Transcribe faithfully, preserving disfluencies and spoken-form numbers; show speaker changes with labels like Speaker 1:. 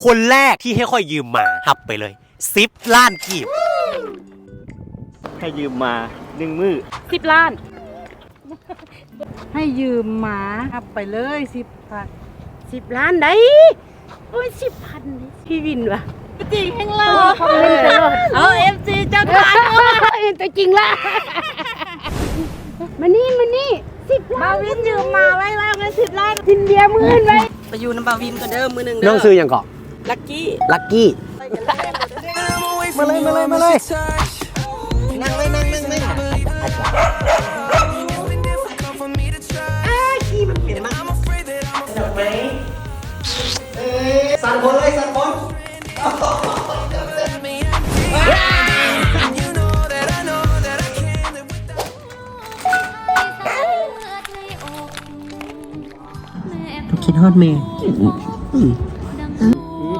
Speaker 1: คนแรกที่ให้ค่อยยืมมาหับไปเลยสิบล้านกีบ
Speaker 2: ให้ยืมมาหนึ่งมือ
Speaker 3: สิบล้าน
Speaker 4: ให้ยืมหมาครับไปเลยสิบพัน
Speaker 3: สิบล้านได้โอ้ยสิบพันพี่วินวะ
Speaker 4: จริงแห่งเรา
Speaker 3: เอาเอฟซีเจ้าทานเห็นตัวจริงละมานี่มานี่สิบล้านบาวินยืมมาไว้แล้วเงินสิบล้านทินเบียร์มื่นไว้ไปอยู่น้ำบาวินก็เดิมมือหนึ่ง
Speaker 1: น้องซื้อยังเกาะ
Speaker 3: ลักกี้
Speaker 1: ลักกี้มาเลยมาเลยมาเลยนั่งเลยนั่งนั่งนั่งอ้าขี้มันเปลี่ยนมากดอกไม้เอ๊ะสั่นคนเลยสั่นคนคิดฮอดเมย์